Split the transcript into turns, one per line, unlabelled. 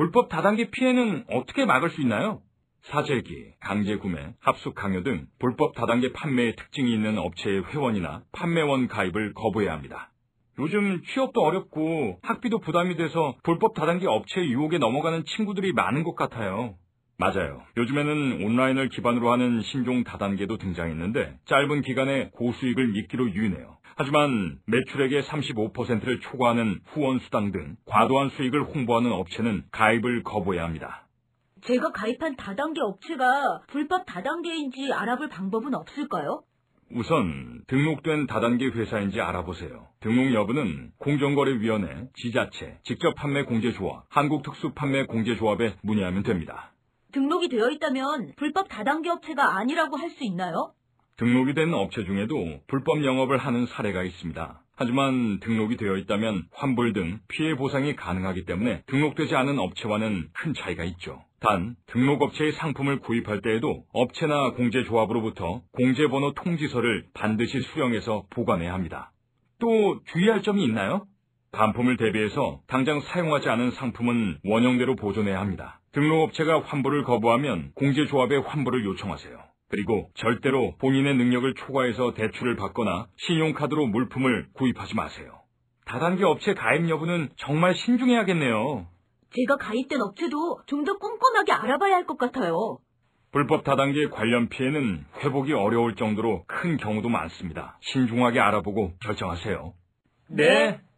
불법 다단계 피해는 어떻게 막을 수 있나요? 사재기, 강제구매, 합숙 강요 등 불법 다단계 판매의 특징이 있는 업체의 회원이나 판매원 가입을 거부해야 합니다. 요즘 취업도 어렵고 학비도 부담이 돼서 불법 다단계 업체의 유혹에 넘어가는 친구들이 많은 것 같아요. 맞아요. 요즘에는 온라인을 기반으로 하는 신종 다단계도 등장했는데 짧은 기간에 고수익을 미끼로 유인해요. 하지만 매출액의 35%를 초과하는 후원수당 등 과도한 수익을 홍보하는 업체는 가입을 거부해야 합니다.
제가 가입한 다단계 업체가 불법 다단계인지 알아볼 방법은 없을까요?
우선 등록된 다단계 회사인지 알아보세요. 등록 여부는 공정거래위원회, 지자체, 직접판매공제조합, 한국특수판매공제조합에 문의하면 됩니다.
등록이 되어 있다면 불법 다단계 업체가 아니라고 할 수 있나요?
등록이 된 업체 중에도 불법 영업을 하는 사례가 있습니다. 하지만 등록이 되어 있다면 환불 등 피해 보상이 가능하기 때문에 등록되지 않은 업체와는 큰 차이가 있죠. 단, 등록업체의 상품을 구입할 때에도 업체나 공제조합으로부터 공제번호 통지서를 반드시 수령해서 보관해야 합니다. 또 주의할 점이 있나요? 반품을 대비해서 당장 사용하지 않은 상품은 원형대로 보존해야 합니다. 등록업체가 환불을 거부하면 공제조합에 환불을 요청하세요. 그리고 절대로 본인의 능력을 초과해서 대출을 받거나 신용카드로 물품을 구입하지 마세요. 다단계 업체 가입 여부는 정말 신중해야겠네요.
제가 가입된 업체도 좀 더 꼼꼼하게 알아봐야 할 것 같아요.
불법 다단계 관련 피해는 회복이 어려울 정도로 큰 경우도 많습니다. 신중하게 알아보고 결정하세요.
네.